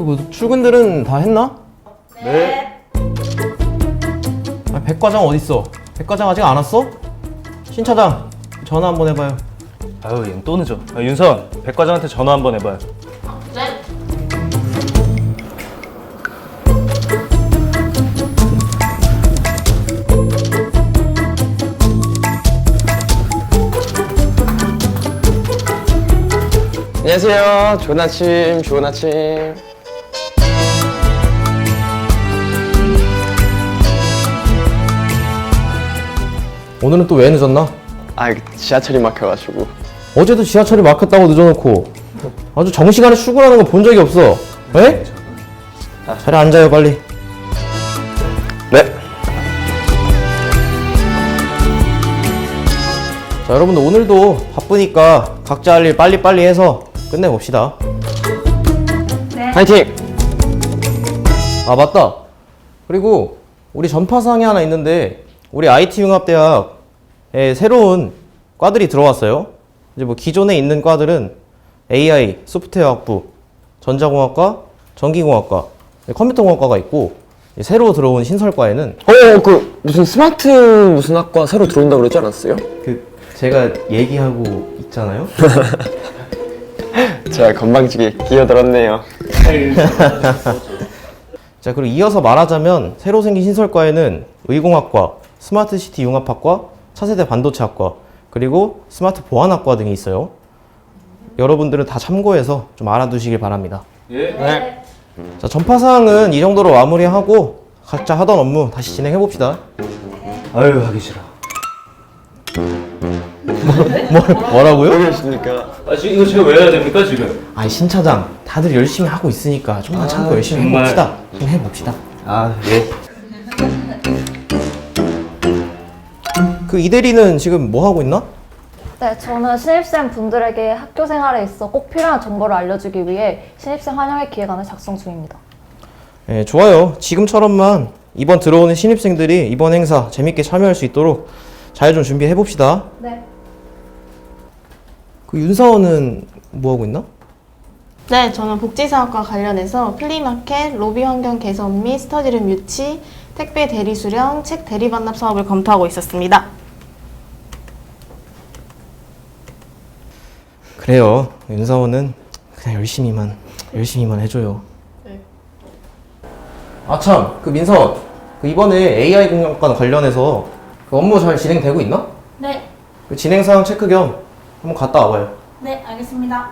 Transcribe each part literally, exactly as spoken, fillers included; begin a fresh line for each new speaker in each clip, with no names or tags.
뭐 출근들은 다 했나?
네.
아, 백 과장 어딨어? 백 과장 아직 안 왔어? 신 차장 전화 한번 해봐요.
아유, 얘는 또 늦어. 아, 윤선, 백 과장한테 전화 한번 해봐요.
네.
안녕하세요. 좋은 아침, 좋은 아침.
오늘은 또 왜 늦었나?
아, 지하철이 막혀가지고.
어제도 지하철이 막혔다고 늦어놓고 아주 정시간에 출근하는 거 본 적이 없어. 에? 자리에 앉아요 빨리.
네.
자 여러분들 오늘도 바쁘니까 각자 할 일 빨리빨리 해서 끝내봅시다.
네.
파이팅!
아 맞다. 그리고 우리 전파상이 하나 있는데 우리 아이티융합대학에 새로운 과들이 들어왔어요. 이제 뭐 기존에 있는 과들은 에이아이, 소프트웨어학부, 전자공학과, 전기공학과, 컴퓨터공학과가 있고 새로 들어온 신설과에는
어, 그, 무슨 스마트 무슨 학과 새로 들어온다고 그러지 않았어요?
그 제가 얘기하고 있잖아요.
제가 건방지게 끼어들었네요.
자 그리고 이어서 말하자면 새로 생긴 신설과에는 의공학과, 스마트시티 융합학과, 차세대 반도체학과, 그리고 스마트 보안학과 등이 있어요. 여러분들은 다 참고해서 좀 알아두시길 바랍니다.
예.
네.
자 전파사항은 이 정도로 마무리하고 각자 하던 업무 다시 진행해봅시다.
아유, 하기 싫어.
뭐, 뭐라고요?
왜 그러십니까?
아, 지금 이거 제가 왜 해야 됩니까, 지금?
아니 신 차장 다들 열심히 하고 있으니까 좀만 참고 열심히
정말.
해봅시다. 좀 해봅시다.
아, 예.
그 이대리는 지금 뭐 하고 있나?
네, 저는 신입생 분들에게 학교 생활에 있어 꼭 필요한 정보를 알려주기 위해 신입생 환영회 기획안을 작성 중입니다.
예, 좋아요. 지금처럼만 이번 들어오는 신입생들이 이번 행사 재밌게 참여할 수 있도록 잘 좀 준비해 봅시다.
네.
그 윤사원은 뭐 하고 있나?
네, 저는 복지사업과 관련해서 플리마켓, 로비 환경 개선 및 스터디룸 유치, 택배 대리 수령, 책 대리 반납 사업을 검토하고 있었습니다.
그래요. 윤사원은 그냥 열심히만 열심히만 해줘요.
네.
아 참, 그 민사원, 그 이번에 에이아이 공학과 관련해서 그 업무 잘 진행되고 있나?
네.
그 진행 상황 체크 겸 한번 갔다 와봐요.
네, 알겠습니다.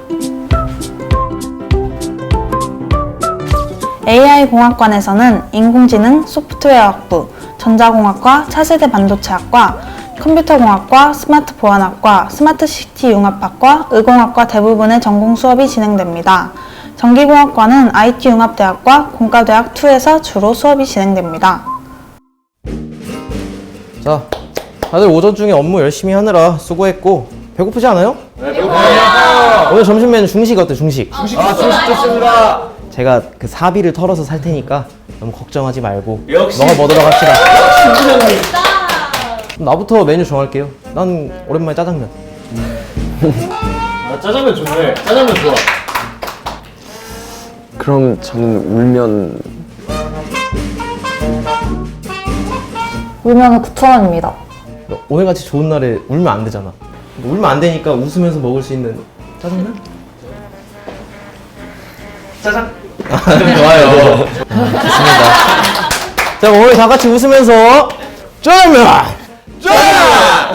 에이아이 공학관에서는 인공지능, 소프트웨어학부, 전자공학과, 차세대 반도체학과, 컴퓨터공학과, 스마트 보안학과, 스마트시티 융합학과, 의공학과 대부분의 전공 수업이 진행됩니다. 전기공학과는 아이티융합대학과 공과대학 이에서 주로 수업이 진행됩니다.
자, 다들 오전 중에 업무 열심히 하느라 수고했고 배고프지 않아요?
네, 배고파요.
오늘 점심 메뉴 중식 어때? 중식.
중식 아, 중식 좋습니다.
제가 그 사비를 털어서 살 테니까 너무 걱정하지 말고
역시.
먹어 보도록 합시다. 그럼 나부터 메뉴 정할게요. 난 오랜만에 짜장면.
아, 짜장면 좋네. 짜장면 좋아.
그럼 저는 울면.
울면은 구천 원입니다.
오늘같이 좋은 날에 울면 안 되잖아. 울면 안 되니까 웃으면서 먹을 수 있는 짜장면?
짜장.
좋아요. 좋습니다. 자, 오늘 다 같이 웃으면서 짜장면! 짜장면!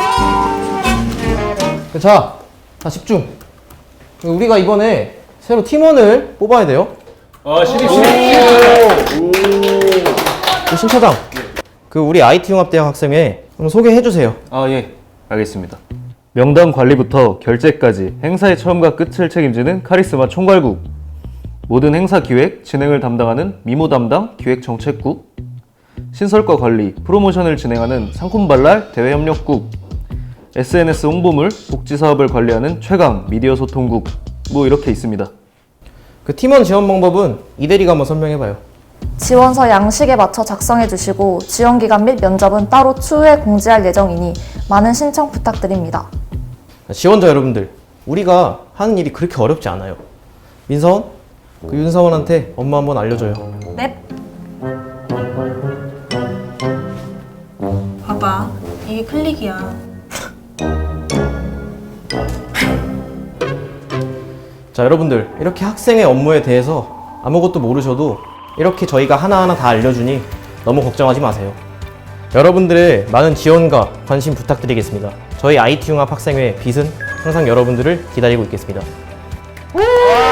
자, 다 집중. 우리가 이번에 새로 팀원을 뽑아야 돼요.
아, 신입, 신입.
그 신차장, 그 우리 아이티융합대학 학생회 한번 소개해 주세요.
아, 예. 알겠습니다. 명단 관리부터 결제까지 행사의 처음과 끝을 책임지는 카리스마 총괄국. 모든 행사 기획, 진행을 담당하는 미모 담당 기획정책국. 신설과 관리, 프로모션을 진행하는 상콤발랄 대외협력국. 에스엔에스 홍보물, 복지사업을 관리하는 최강 미디어 소통국. 뭐 이렇게 있습니다.
그 팀원 지원 방법은 이대리가 한번 설명해봐요.
지원서 양식에 맞춰 작성해 주시고 지원 기간 및 면접은 따로 추후에 공지할 예정이니 많은 신청 부탁드립니다.
지원자 여러분들, 우리가 하는 일이 그렇게 어렵지 않아요. 민선, 그 윤사원한테 업무 한번 알려줘요.
넵.
봐봐, 이게 클릭이야.
자, 여러분들 이렇게 학생의 업무에 대해서 아무것도 모르셔도 이렇게 저희가 하나하나 다 알려주니 너무 걱정하지 마세요. 여러분들의 많은 지원과 관심 부탁드리겠습니다. 저희 아이티 융합 학생회 빛은 항상 여러분들을 기다리고 있겠습니다.